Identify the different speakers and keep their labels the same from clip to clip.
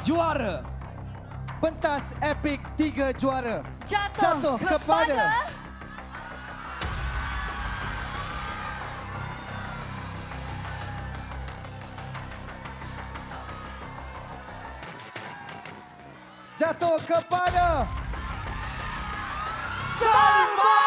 Speaker 1: juara.
Speaker 2: Pentas epik 3 juara.
Speaker 3: Jatuh kepada
Speaker 2: Jatuh kepada Salma!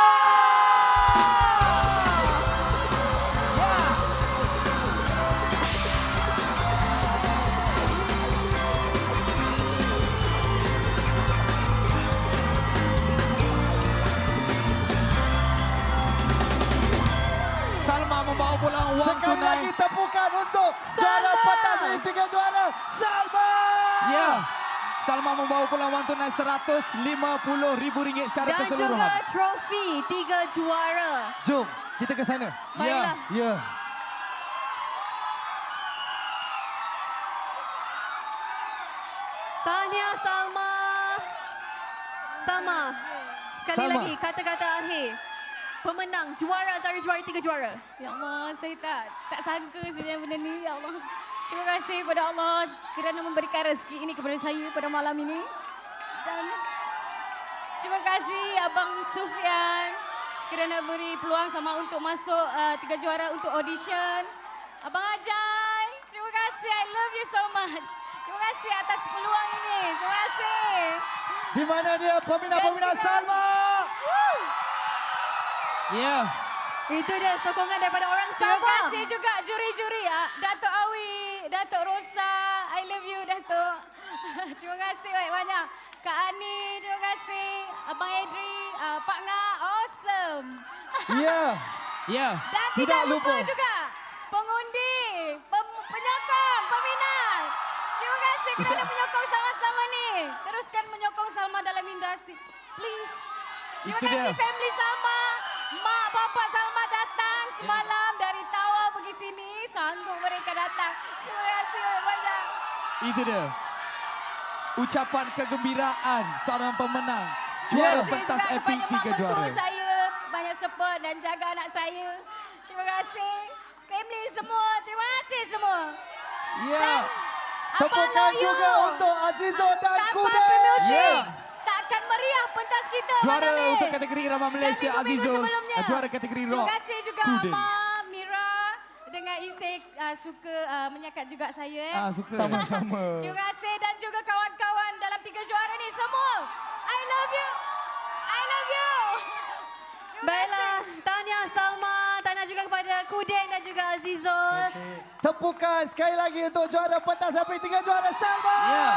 Speaker 1: Salma membawa pulang wang
Speaker 2: Sekali
Speaker 1: tunai.
Speaker 2: lagi tepukan untuk juara pentas epik 3 juara, Salma!
Speaker 1: Ya. Salma membawa pulang wang tunai RM150,000 secara
Speaker 3: dan
Speaker 1: keseluruhan.
Speaker 3: juga trofi 3 juara.
Speaker 2: Jom, kita ke sana.
Speaker 3: Baiklah.
Speaker 2: Ya.
Speaker 3: Tahniah Salma. Salma, sekali
Speaker 2: Salma.
Speaker 3: lagi kata-kata akhir. Pemenang juara antara juara 3 juara.
Speaker 4: Ya Allah, saya tak sangka sebenarnya benda ni. Ya Allah. Terima kasih kepada Allah kerana memberikan rezeki ini kepada saya pada malam ini. Dan terima kasih Abang Sufian kerana beri peluang sama untuk masuk 3 juara untuk audition. Abang Ajay, terima kasih. I love you so much. Terima kasih atas peluang ini. Terima kasih.
Speaker 2: Di mana dia peminat-peminat Salma?
Speaker 1: Ya.
Speaker 3: Itu dia sokongan daripada orang
Speaker 4: Terima
Speaker 3: Sabah.
Speaker 4: kasih juga juri-juri Datuk Awi, Datuk Rosa, I love you Datuk. Terima kasih banyak. Kak Ani, terima kasih. Abang Edri, Pak Nga, awesome.
Speaker 2: Ya.
Speaker 1: Ya.
Speaker 4: Dan
Speaker 2: Tidak
Speaker 4: tidak lupa
Speaker 2: lupa.
Speaker 4: juga pengundi, penyokong, peminat. Terima kasih kerana menyokong Salma selama ni. Teruskan menyokong Salma dalam industri. Please. Terima
Speaker 1: Itu
Speaker 4: kasih
Speaker 1: dia.
Speaker 4: family Salma. Mak bapak Salma datang semalam dari Tawau pergi sini. Sanggup mereka datang. Terima kasih banyak.
Speaker 1: Itu dia. Ucapan kegembiraan seorang pemenang.
Speaker 4: Terima
Speaker 1: Juara
Speaker 4: kasih
Speaker 1: pentas
Speaker 4: juga
Speaker 1: epik
Speaker 4: kepada
Speaker 1: 3
Speaker 4: mak
Speaker 1: juara.
Speaker 4: mentua saya. Banyak support dan jaga anak saya. Terima kasih. Family semua. Terima kasih semua.
Speaker 1: Ya.
Speaker 2: Tepukan juga untuk Azizo dan
Speaker 4: Tanpa
Speaker 2: Kude.
Speaker 4: pemuzik,
Speaker 1: Ya.
Speaker 4: takkan meriah pentas kita
Speaker 1: Juara
Speaker 4: malam ni.
Speaker 1: untuk kategori Irama Malaysia
Speaker 4: Dan minggu-minggu
Speaker 1: Azizul.
Speaker 4: sebelumnya.
Speaker 1: Juara kategori rock.
Speaker 4: Terima kasih juga
Speaker 1: Kudin.
Speaker 4: Amar, Mira dengan Isik suka menyakat juga saya.
Speaker 1: Suka.
Speaker 2: Sama-sama.
Speaker 4: Terima kasih dan juga kawan-kawan dalam 3 juara ni semua. I love you. I love you. Terima
Speaker 3: Baiklah, tahniah Salma. Tahniah juga kepada Kudin dan juga Azizul.
Speaker 2: Tepukan sekali lagi untuk juara pentas epik 3 juara, Salma!
Speaker 1: Ya.